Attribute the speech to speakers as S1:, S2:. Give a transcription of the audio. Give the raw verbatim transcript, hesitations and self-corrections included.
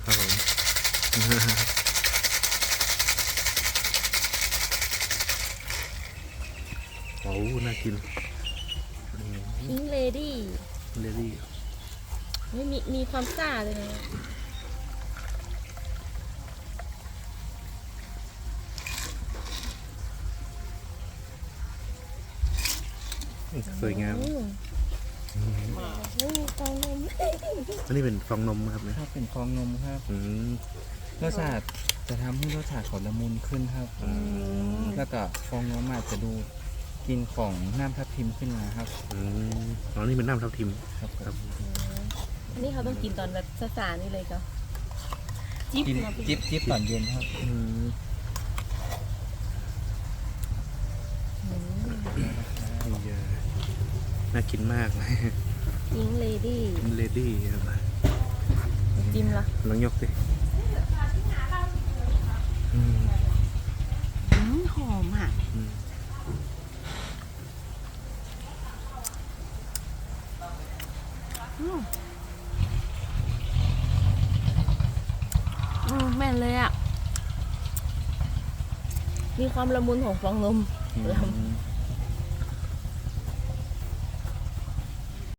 S1: ครับผมโอ้น่ากิน
S2: พิงเลดี้
S1: เลดี้
S2: ไม่มีมีความซ่าเลยนะ
S1: สวยงาม
S2: อืมนี่ฟองนม
S1: อันนี้เป็นฟองนมครับเนี่ย
S3: ครับเป็นฟองนมครับ
S1: อืม
S3: รสชาติจะทำให้รสชาติของละมุนขึ้นครับ
S1: อืม
S3: แล้วก็ฟองนมอาจจะดูกลินของน้ำทับทิมขึ้นมาครับ
S1: อืมอ๋อนี่เป็นน้ำทับทิม
S3: ครับ
S1: ครับ
S2: อันนี้เขาต้องกินตอนแบบสาๆนี่เลยก็จิ๊บ
S3: กิน
S2: มาเป็น
S3: จิบจิบตอนเย็นครับ
S1: อืม
S2: อืม
S1: นี่เออน่ากินมาก
S2: พิงเลดี้
S1: เลดี้ครับ
S2: จิ้มละ
S1: ลองยกดิอืม
S2: อืมหอมอ่ะ
S1: อืม
S2: อืมอืมแม่นเลยอ่ะ มีความละมุนของฟองนม
S3: อืม
S2: ละมุน